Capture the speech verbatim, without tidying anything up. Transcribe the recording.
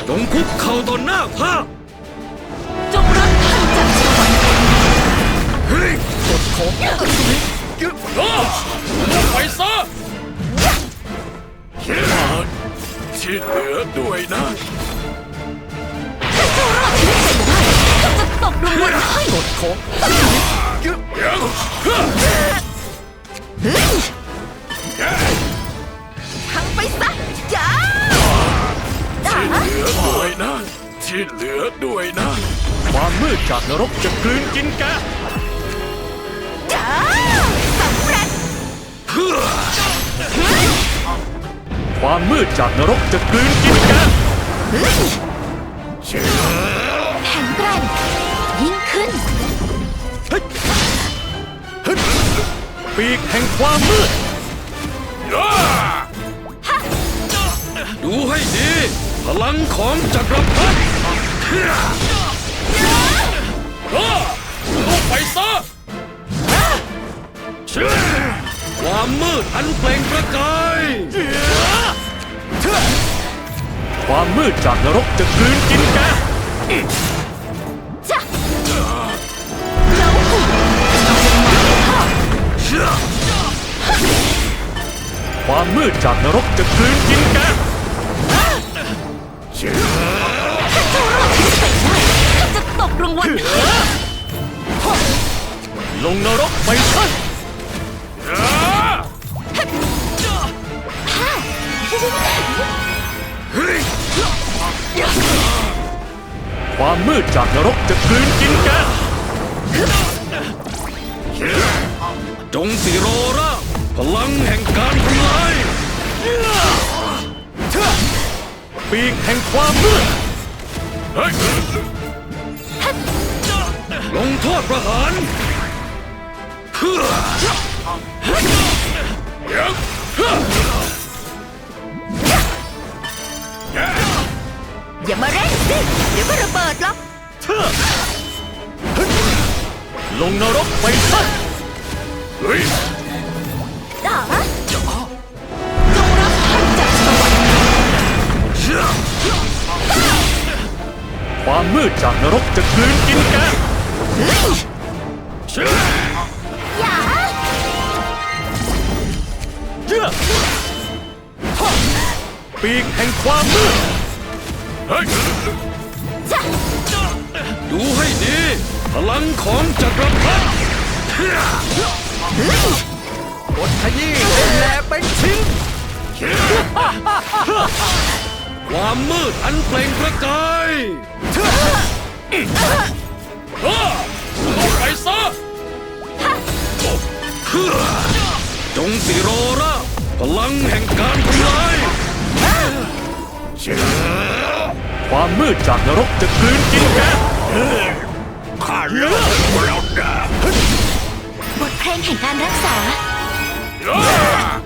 จงคุกเข่าต่อหน้าข้าจงรับท่านจากสวรรค์เฮ้ยกดของยึดล้อแล้วไปซะที่เหลือด้วยนะถ้าเจ้ารอดชีวิตไปได้ข้าจะตบรางวัลให้กดของยึดยังทั้งไปซะจ้าที่เหลือด้วยนะที่เหลือด้วยนะความมืดจากนรกจะกลืนกินแกจ้าสำเร็จความมืดจากนรกจะกลืนกินแกแข็งแกร่งยิ่งขึ้นปีกแห่งความมืดดูให้ดีพลังของจักรพรรดิลุกไปซะความมืดอันเปล่งประกายความมืดจากนรกจะกลืนกินแกจ้ะแล้วหุ่นความมืดจากนรกจะกลืนกินแกถ้าเจ้ารอดชีวิตไปได้ข้าจะตบรางวัลลงนรกไปซะความมืดจากนรกจะกลืนกินแกจงสิโรราพลังแห่งการทำลายปีกแห่งความมืดลงโทษประหารอย่ามาเร่งสิเดี๋ยวก็ระเบิดหรอกลงนรกไปซะเฮ้ยด่าจงรับท่านจากสวรรค์ความมืดจากนรกจะกลืนกินแกอย่าปีกแห่งความมืดดูให้ดีพลังของจักรพรรดิกดขยี้เป็นแหลเป็นชิ้นความมืดอันเปล่งประกายไปซะจงสิโรราพลังแห่งการทำลายความมืดจากนรกจะกลืนกินแกข้าเลิกแล้วนะบทเพลงแห่งการรักษา